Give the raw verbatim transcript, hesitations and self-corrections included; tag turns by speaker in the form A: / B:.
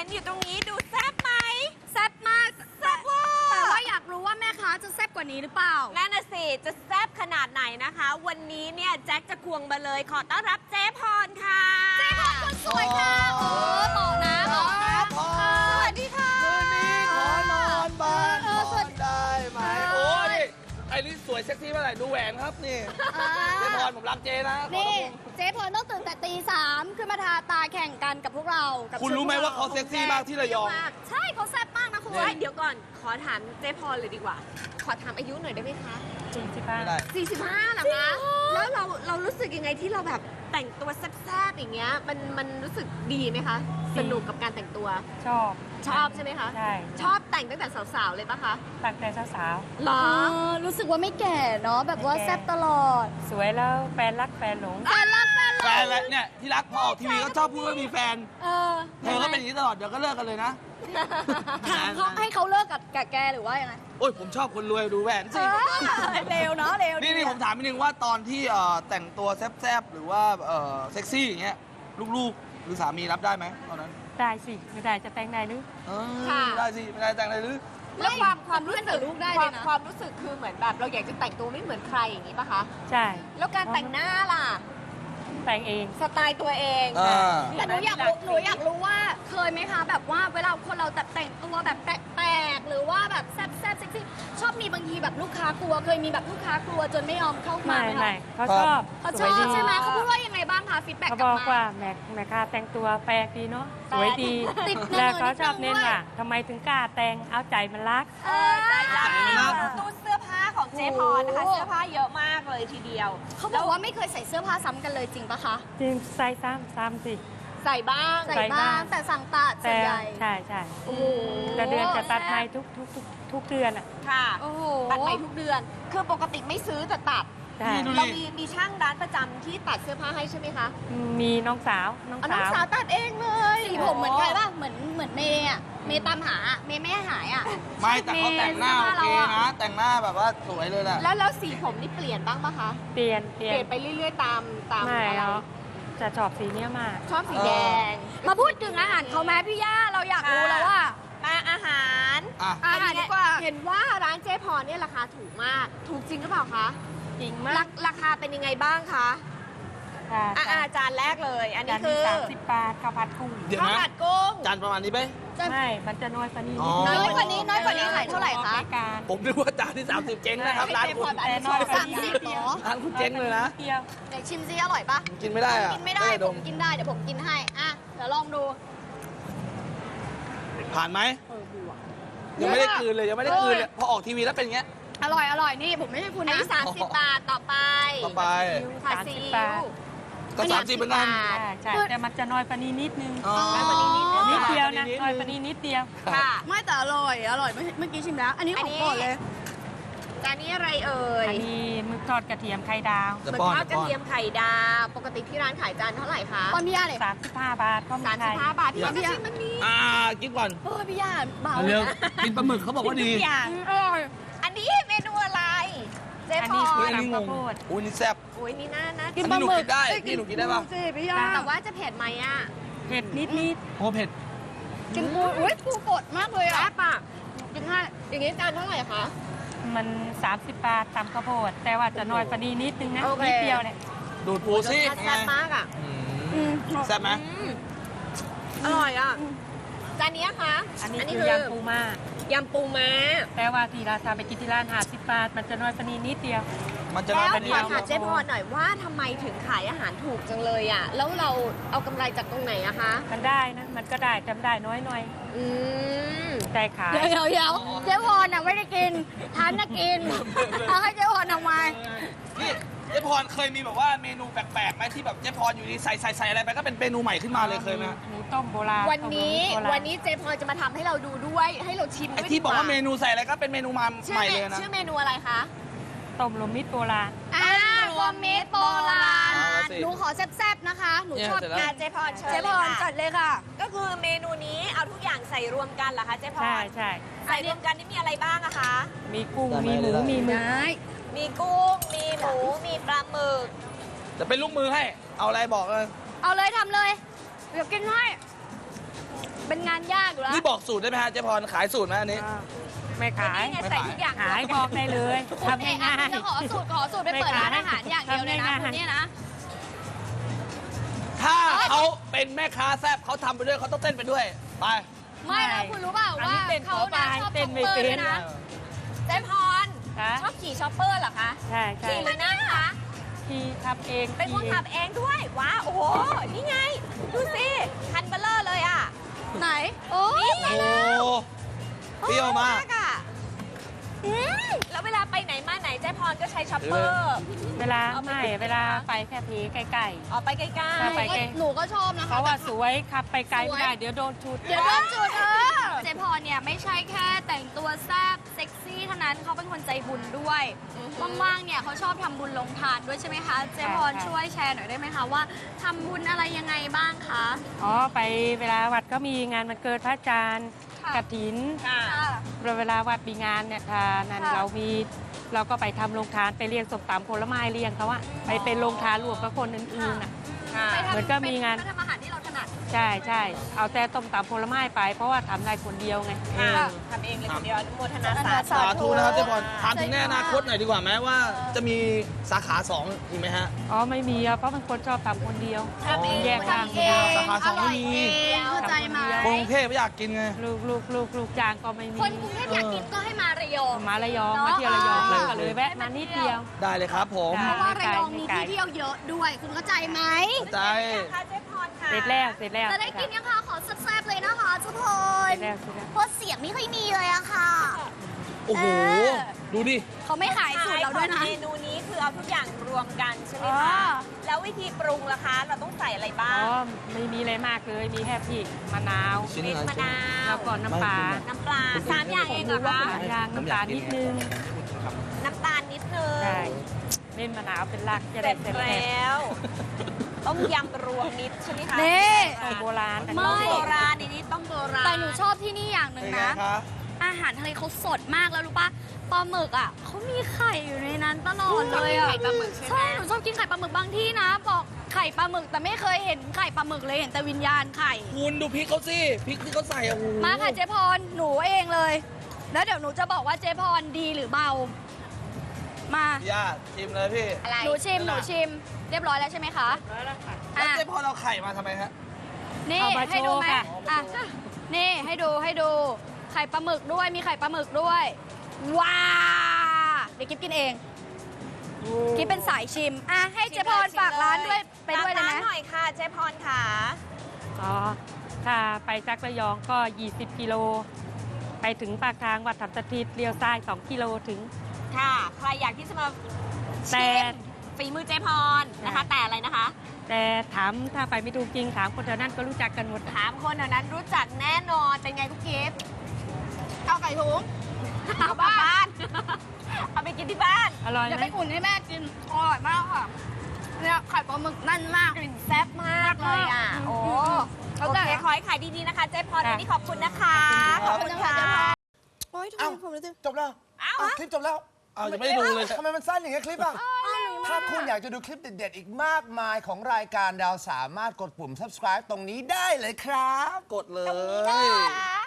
A: อยู่ตรงนี้ดูแซ่บไหม
B: แซ่บมาก
A: แซ่บเวอร์
B: แต่ว่าอยากรู้ว่าแม่ค้าจะแซ่บกว่านี้หรือเปล่า
A: นั่นน่ะสิจะแซ่บขนาดไหนนะคะ วันนี้เนี่ยแจ็คจะควงมาเลยขอต้อนรับเจ๊พรค่ะ
B: เจ๊พรคนสวยค่ะโอ้เหมาะนะเหมาะนะ
C: พอ
A: สวัสดีค่ะ
C: คืนนี้ขอนอนบ้าน
B: เออ
C: นอนได้ไหม
B: เออ
C: โอ้ยไอ้นี่สวยเซ็กซี่เมื่อไหร่ดูแหวนครับนี่
B: อ่า
C: เจ๊พรผมรักเจ๊นะขอ
B: นี่
C: รับผม
B: เจ๊พรต้องตื่นแต่ตีสามขึ้นมาทาตาแข่งกันกับพวกเรากับ
C: คุณรู้ไหมว่าเขาเซ็กซี่มากที่ระยอง
B: ใช่เขาแซ่บมากนะคุณ
A: เฮ้ยเดี๋ยวก่อนขอถามเจ๊พรเลยดีกว่า ขอถามอายุหน่อยได้ไหมคะ
D: จริงสิป้า
C: ไม่ได้
A: สี่สิบห้าเหรอคะแล้วเราเรารู้สึกยังไงที่เราแบบแต่งตัวแซ่บๆอย่างเงี้ยมันมันรู้สึกดีไหมคะ สนุกกับการแต่งตัว
D: ชอบ
A: ชอบใช่ไหมคะ
D: ใช่
A: ชอบแต่งตั้งแต่สาวๆเลยปะคะ
D: ตั้งแต่สาว
A: หรอ
B: เออรู้สึกว่าไม่แก่เนาะแบบว่าแซ่บตลอด
D: ๆ สวยแล้วแฟนรักแฟนหลง
B: แฟนรักแฟน
C: แฟ
B: รัก
C: นแล้วเนี่ยที่รักพอออกทีวีก็ชอบพูดว่ามีแฟน
B: เออ
C: เธอก็เป็นอย่างนี้ตลอดเดี๋ยวก็เลิกกันเลยนะ
B: ถามเขาให้เขาเลิกกับกับแกหรือว่ายังไง
C: โอ้ยผมชอบคนรวยดูแหวนสิ
B: เร็วเนาะเร็ว
C: นี่นี่ผมถามนิดนึงว่าตอนที่เอ่อแต่งตัวแซ่บๆหรือว่าเอ่อเซ็กซี่อย่างเงี้ยลูกๆหรือสามีรับได้ไหมตอนนั้น
D: ได้สิ ไม่ได้จะแต่งได้หรือ
C: เออ
A: ค่ะ
C: ได้สิไม่ได้แต่งอะไรหรือ
A: แล้วความความ
B: เพื่
A: รู้
B: อน
A: สึ
B: กับ
A: ก
B: ลูกได้
A: ค
B: เล
A: วาม
B: ยนะ
A: ความรู้สึกคือเหมือนแบบเราอยากจะแต่งตัวไม่เหมือนใครอย่างนี้ปะคะ
D: ใช่
A: แล้วการแต่งหน้าล่ะ
D: แต่งเอง
A: สไตล์ตัวเอง
C: อ่า
B: แต่หนูอยากรู้หนูอยากรู้ว่าเคยไหมคะแบบว่าเวลาคนเราแต่แต่งตัวแบบแปลกๆหรือว่าแบบแซ่บแซ่บเซ็กซี่ชอบมีบางทีแบบลูกค้ากลัว เคยมีแบบลูกค้ากลัวจนไม่ยอมเข้ามา
D: ไม่
B: ไหม
D: ไม่
B: คะ
D: เขาชอบ
B: เขาช
D: ส
B: อ
D: วย
B: บ
D: ดี
B: ใช่ไหมเขาพูดว่ายังไงบ้างคะฟีดแบ็ก
D: เขา
B: กลั
D: บบ อก
B: มา
D: ว่าแม่แม่ค้าแต่งตัวแปลกดีเนาะ
B: แปลก
D: สวยดี
B: ติดเงิน
D: แล้วเขาชอบ
B: นิดนึง
D: เน้น
B: ด้วย
D: ว่าทำไมถึงกล้าแต่งเอาใจมันรัก
B: เออ
A: ใจรัก
C: ใจรัก
A: ตู้เสื้อผ้าของเจ๊พรนะคะ
B: โอ้โห
A: เสื้อผ้าเยอะมากเลยทีเดียว
B: เขาบอกว่าไม่เคยใส่เสื้อผ้าซ้ำกันเลยจริงปะคะ
D: จริงใส่ซ้ำซ้ำสิ
A: ใส่บ้าง
B: ใส่
D: ใส่
B: บ้า
D: บ้าง ง
B: แต่สั่งตัดส่ว
D: แต่
B: นใหญ่
D: ใช่ใช่
B: โอ้โห
D: แต่เดือนจะตัดใหม่ทุกทุกทุกทุกเดือนอ่ะ
A: ค่ะ
B: โอ้โห
A: ตัดใหม่ทุกเดือน คือปกติไม่ซื้อแต่ตัด
D: ใช่
C: นี่ดู
A: เรามีมีช่างร้านประจำที่ตัดเสื้อผ้าให้ใช่ไหมคะ
D: มีน้องสาวน้อง
A: อ๋อน้อง
D: สาว
A: สาวตัดเองเลย
B: สีผมเหมือนใครป่ะเหมือนเหมือนเมย์อะเมย์ตามหาอะเมย์ไม่ให้หายอะ
C: ไม่แต่เขาแต่งหน้าโอเคนะ แต่งหน้าแบบว่าสวยเลยแหละ
A: แล้วแล้วสีผมนี่เปลี่ยนบ้างปะคะ
D: เปลี่ยนเป
A: เป
D: ลี่ย
A: ลี่ย
D: น
A: นไปเรื่อยๆตามตาม
D: ไม่
A: อะไร
D: เอาจะชอบสีเนี้ยมาก
A: ชอบสีแดง
B: มาพูดถึงอาหารเขาแม่พี่ย่าเราอยากรู้แล้วว่า
A: มาอาหาร
C: อ่ะ
B: อาหารดีกว่า
A: เห็นว่าร้านเจ๊พรเนี่ยราคาถูกมาก ถูกจริงหรือเปล่าคะ
D: จริง
A: ราม
D: าก
A: ราคาเป็นยังไงบ้างคะ
D: ค่ะ
A: อ่ะอ่ะจานแรกเลย อันนี้
D: จาน
A: คื
D: นี้
A: อ
D: สามสิบบาทข้าวผัดกุ้ง
C: เดี๋ยว
A: ข้าว
C: นะ
A: ผัดกุ้ง
C: จานประมาณนี้ไหม
D: ไม่ มันจะน้อยกว่านี้
C: อ๋อ
D: นิด
B: น้อยกว่านี้น้อยกว่านี้ขายเท่าไหร่คะ
D: รายการ
C: ผมนึกว่าจานที่สามสิบเจ๊งนะครับร้านคุณ
D: แต่น้อยกว่า
B: สาม
D: นี้
B: สิบ
D: นิด
B: เห
D: เดี
B: ร
D: ยว
B: อ
C: ร้านคุณเจ๊งเลยนะ
D: นิดเดียว
B: เดี๋ยวชิมซิอร่อยปะ
C: กินไม่ได้อะ
B: กินไม่ได้
C: เลย
B: ผ
C: ด
B: มกินได้เดี๋ยวผมกินให้อ่ะเดี๋ยวลองดู
C: ผ่านไหม
B: เออบัว
C: ยังไม่ได้กลืนเลยยังไม่ได้กลืนเลยพอออกทีวีแล้วเป็นอย่างเงี้ย
B: อร่อยอร่อยนี่ผมไม่ให้คุณ
A: อัน
B: นะ
A: นี้สามสิบบาทต่อไป
C: ต่อไป
A: ผัด
D: สาม
A: ซี
D: สิบ
A: อิ๊
D: บาท
A: ว
C: ก็สามสิบเหมือนกัน
A: บาท
D: ใช่ใช่แต่มันจะน้อยกว่านี้นิดนึง
C: อ๋อ
A: น้อยกว่านี้นิดนึง
D: นิดเดียวนะ
C: นิดนึง
D: น้อยกว่านี้นิดเดียว
A: ค่ะ
B: ไม่แต่อร่อยอร่อยเมื่อเมื่อกี้ชิมแล้ว อันนี้ของโปรดเลย
A: จานนี้อะไรเอ่ย
D: อันนี้หมึกทอดกระเทียมไข่ดาว
C: จะ
A: หมึก
C: ป้อน
A: ทอดก
C: จะ
A: ระ
C: ป้อน
A: เทียมไข่ดาวปกติที่ร้านขายจานเท่าไหร่คะ
B: ตอนพี่ย่าเลย
D: สามสิบห้าบาทก็มี
A: สามสิ
D: ไข่
A: บห้าบาทที่
C: อยาก
A: ร้านก็ชิมมันนี้
C: อ่ากินก่อน
B: เออพี่ย่าเบา
C: เร็วกินปลาหมึกเขาบอกว่าดี
A: ทุกอย่าง
B: อร่อย
A: อันนี้เมนูอะไร เจ๊
D: อัน
A: พ
D: นี้
A: ร
C: เฮ้ยอันนี้งงอุ้ยนี่แซ่บ
A: โอ้ยนี่น่านะ
C: อันนี้หนูกินได้พี่หนูกินได้ปะ
B: สิพี่ย่า
A: แต่ว่าจะเผ็ดไหมอ่ะ
D: เผ็ดนิดนิด
C: โอ้เผ็ด
B: กินปูอุ้ยปูกดมากเลย
A: แซ่
B: อ่ะ
A: บอ่ะ
B: กินให้
A: อย่างนี้จานเท่าไหร่คะ
D: มันสามสิบบาทตำข้าวโพดแต่ว่าจะน้อยกว่านี้นิดนึงนะ
A: โอเค
D: นิดเดียวเนี่ย
C: ดูดปูสิ
A: รสชาติแซ่บมากอ่ะ
C: อื
B: อื
C: ม
B: ม
C: แซ่บไหม
A: อืมอร่อยอ่ะ จานนี้อะคะ
D: อันนี้คือยำปูม้าย
A: ำปูม้า
D: แต่ว่าที่ราคาไปกินที่ร้านห้าสิบบาท มันจะน้อยกว่านี้นิดเดียว
C: มันจะ
A: แล้
C: น้อ
A: วย
C: เป็น
A: ข
C: เดี
A: อ
C: ยว
A: ถามเจ๊พรหน่อยว่าทำไมถึงขายอาหารถูกจังเลยอ่ะ แล้วเราเอากำไรจากตรงไหนอะคะ
D: มันได้นะ มันก็ได้จำได้น้อยหน่อย
A: อืม
D: แต่ขาย
B: เดี๋ยวเดี๋ยวเดี๋ยวเจ๊วอนน่ะไม่ได้กินทานน่ะกินเอาให้เจ๊วอนทำไม
C: นี่เจ๊พรเคยมีแบบว่าเมนูแปลกๆไหมที่แบบเจ๊พรอยู่ดีใส่ใส่ใส่อะไรไปก็เป็นเมนูใหม่ขึ้นมาเลยเคยไหม
D: หมูต้มโบราณ
A: วันนี้
D: ต้มโบราณ
A: วันนี้เจ๊พรจะมาทำให้เราดูด้วย ให้เราชิม
C: ไอ้
A: ด้วย
C: ที่
A: ดี
C: บอกว่าเมนูใส่อะไรก็เป็นเมนูมา
A: ชื่
C: ให
A: อ
C: ม่
A: เม
C: เลยนะ
A: ชื่อเมนูอะไรคะ
D: ต้มรวมมิตรโบราณ
B: อ่ารวมมิตรโบราณ
C: เอาสิ
B: หนูขอแซ่บๆนะคะ หนูชอบ
C: เนี่ยเสร็จแล้ว
A: อ่ะเจ๊พรเชิญ
B: เจ๊
A: เล
B: พ
A: ย
B: รจั
A: ค่ะ
B: ดเลยค่ะ
A: ก็คือเมนูนี้เอาทุกอย่างใส่รวมกันเหรอคะเจ๊พร
D: ใช่ใช่
A: ใส่รวมกันนี่มีอะไรบ้างอะคะ
D: มีกุ้ง มีหมู มีหมึก
B: ได้
A: มีกุ้ง มีหมู มีปลาหมึก
C: จะเป็นลูกมือให้ เอาอะไรบอกเลย
B: เอาเลยทำเลย เดี๋ยวกินให้เป็นงานยากอยู่แล้ว
C: นี่บอกสูตรได้ไหมฮะเจ๊พรขายสูตรไหมอันนี้
D: ไม่ขาย
A: นี่ไงใส่ทุกอย่าง
D: ขายบอกได้เลย
B: คุณ
D: ทำ
B: เอ๊ะ
D: ง่าย
B: คุณจะขอสูตรขอสูตรไปเปิดร้านอาหารอย่างเดียวเลยนะ
D: ทำง่ายๆ
B: คุณเนี่ยนะ
C: ถ้าเขาเป็นแม่ค้าแซ่บเขาทำไปด้วยเขาต้องเต้นไปด้วยไป
B: ไม่แล้วคุณรู้เปล่าว่าเขานะชอบ
D: เต้
B: ช็อน ป
D: ไม่
B: เปอร์
D: เป็
B: ด้วย
D: น
B: นะ
A: เจ๊พร
D: คะ
A: ชอบขี่ช็อปเปอร์เหรอคะ
D: ใช่ใช่
A: ขี่หรือนั่งคะ
D: ที่ทำเอง
A: เป็นคน
D: ขี่
A: ขับเองด้วย ว้าว โอ้โห นี่ไง ดูสิ คันเบลเลอร์เลยอ่ะ
B: ไหน โอ้
A: นี่
C: โอ้เปรี้ยวมาก
A: อ่ะอืมแล้วเวลาไปไหนมาไหนเจ๊พรก็ใช้ช็อปเปอร์
D: เวลาไม่เวลาไปแค่พีใกล้
A: ออกไปใกล้
D: ถ้าไป
B: หนูก็หนูก็ชอบนะ
D: ๆ เพ
B: คะ
D: ราะว่าสวยขับไปไกลไม่ได้เดี๋ยวโดนชุด
B: เดี๋ยวโดนจุดเออเจพรเนี่ยไม่ใช่แค่แต่งตัวแซ่บเซ็กซี่เท่านั้นเขาเป็นคนใจบุญด้วยว่างๆเนี่ยเขาชอบทำบุญลงทานด้วยใช่ไหมคะเจพร
D: ใช่
B: ช่วยแชร์หน่อยได้ไหมคะว่าทำบุญอะไรยังไงบ้างคะ
D: อ๋อไปเวลาวัดก็มีงานวันเกิดพระอาจารย์
B: ค่ะ
D: กฐิน
A: ๆค่ะ
B: ค่ะ
D: เวลาวัดมีงานเนี่ยทานั้น
B: ค่ะ
D: เรามีเราก็ไปทำโรงทานไปเลี้ยงสมตำผลไม้เลี้ยงเขาอะไปเป็นโรงทานรวมกับคนอื่นๆอะ
A: ค่ะ
B: ไปทำ
D: เหมือนก็มีงาน
B: ไปทำอาหารที่เราถนัด
D: ใช่ใช่เอาแต่ต้มตำผลไม้ไป เพราะว่าทำได้คนเดียวไง
A: ค่ะทำเองเลยคนเดียวอนุโมทนาสา
C: สาธุนะครับเจ๊พรถามถึง
B: ใช่
C: แน่อนาคตหน่อยดีกว่าไหมว่าจะมีสาขาสองอีกไหมฮะ
D: อ๋อไม่มีอะเพราะมันคนชอบทำคนเดียว
A: ทำเอง
D: แยกทาง
B: ทำเอง
C: สาขาสองไม่มี
B: ร่ยเองเข้าใจไหม
C: กรุงเทพไม่อยากกินไง
D: ลูกลูกลูกลูกจางก็ไม่มี
B: คนกรุงเทพอยากกินก็ให้มาระยอง
D: มาระยองมาเที่ยวระยองแล้วก็เลยแวะมานิดเดียว
C: ได้เลยครับผม
D: ได้
B: เพราะว่าระยองมีที่เที่ยวเยอะด้วย คุณเข้าใจไหม
C: ใจ
A: ค่ะเจ๊พรค่ะ
D: เสร็จแล้วเสร็จแล้ว
B: จะได้กินยังคะขอแซ่บๆเลยนะคะทุกค
D: เส
B: น
D: ร็จแล้วเสร็จแล้ว
B: เพราะเสียงไม่ค่อยมีเลยอะค่ะ
C: โอ้โห
B: เออ
C: ดูดิ
B: เขาไม่ขายสูตรเราด้วยนะ
A: เมนูนี้คือเอาทุกอย่างรวมกันใช่ไหม
B: อ๋
A: คะ
B: อ
A: แล้ววิธีปรุงล่ะคะ เราต้องใส่อะไรบ้า
D: อ๋อง ไม่มีอะไรมากเลยมีแค่พริกมะนาว
C: ชิ้น
A: พริก
C: อะไร
A: มะนาว
D: แล้วก็น้ำปลา
A: น้ำปลาสามอย่างเองเหรอคะ
D: สามอย่างน้ำตาลนิดนึง
A: น้ำตาลนิดนึง
D: ใช่เล่นมะนาวเป็นหลักจะ
A: เส
D: ได้
A: ร็จ
D: เสร็จ
A: แล
D: แล้ว
A: ้ว ต้มยำรวมมิตรใช่ไหมคะ
B: นี่
D: ต้มโบราณ
B: ไม่
A: ต้มโบราณในนี้ต้มโบราณ
B: แต่หนูชอบที่นี่อย่างหนึ่
C: เป็
B: ง
C: นไง
B: นะ
C: คะ
B: อาหารทะเลเขาสดมากแล้วรู้ปะปลาหมึกอ่ะเขามีไข่อยู่ในนั้นตลอดเลยอ่ะ
A: ไข่ปลาหมึกใช่ไหม
B: ใช่หนูชอบกินไข่ปลาหมึกบางที่นะ บอกไข่ปลาหมึกแต่ไม่เคยเห็นไข่ปลาหมึกเลยเห็นแต่วิญญาณไข่
C: คุณดูพริกเขาสิพริกที่เขาใส่อะโอ้โห
B: มาค่ะเจ๊พรหนูเองเลย แล้วเดี๋ยวหนูจะบอกว่าเจ๊พรดีหรือเบา มา
C: ญาติชิมเลยพี่
A: อะไร
B: หนูชิมหนูชิม เรียบร้อยแล้วใช่ไหมคะ
C: แล้ว
B: อ่ะ
C: เจ๊พอเราไข่มาทำไมฮะ
B: นี่
D: เอามา
B: ให้ดูไหม
D: โชว์ค่ะ
B: อ่ะนี่ให้ดูให้ดูไข่ปลาหมึกด้วยมีไข่ปลาหมึกด้วย ว้าเดี๋ยวกิ๊บกินเองกิ๊บเป็นสายชิมอ่ะให้เจ๊พรฝากร้านด้วยไปด้วยเลย
A: ฝาก
B: นะ
A: ร้านหน่อยค่ะเจ๊พรค่ะ
D: อ๋อถ้าไปจากระยองก็ ยี่สิบ กิโล ไปถึงปากทางวัดธรรมสถิตเลี้ยวซ้าย สอง กิโลถึง
A: ค่ะ ใครอยากที่จะมา
D: แต่
A: ชิมฝีมือเจ๊พรนะคะ แต่อะไรนะคะ
D: แต่ถามถ้าไปไม่ถูกจริงถามคนแถวนั้นก็รู้จักกันหมด
A: ถามคนแถวนั้นรู้จักแน่นอน เป็นไงกุ๊กกิ๊บ
B: เอาไก่ถุง
A: เอากลับบ้าน เอาไปกินที่บ้าน
D: อร่อย
B: อย่า
D: ไหม
B: ไปอุ่นให้แม่กินอร่อยมากค่ะเนี่ยไข่ปลาหมึกนั่นมาก
A: กลิ่นแซ่บมากเลยอ่ะ โอ้
B: เข้า
A: โอ
B: ใจ
A: เค ขอให้ขายดีๆนะคะ เจ๊พรวันนี้ขอบคุณนะคะ
C: ขอบ
A: ข
C: คุ
A: อบ
C: ณ
A: คุณ
C: ครั
A: ค่ะ
C: บ
E: โอ๊ยทำ
F: เอ้า
E: ไมผมรู้สึก
F: จบแล้ว
A: เอ้า
F: อ้าวคลิปจบแล้ว
C: เอายังไม่ได้ดูเลย
F: ทำไมมันสั้นอย่างเงี้ยคลิปอ่ะ ถ้าคุณอยากจะดูคลิปเด็ดๆ อีกมากมายของรายการดาวสามารถกดปุ่ม subscribe ตรงนี้ได้เลยครับ
C: กดเลย
B: ค่ะ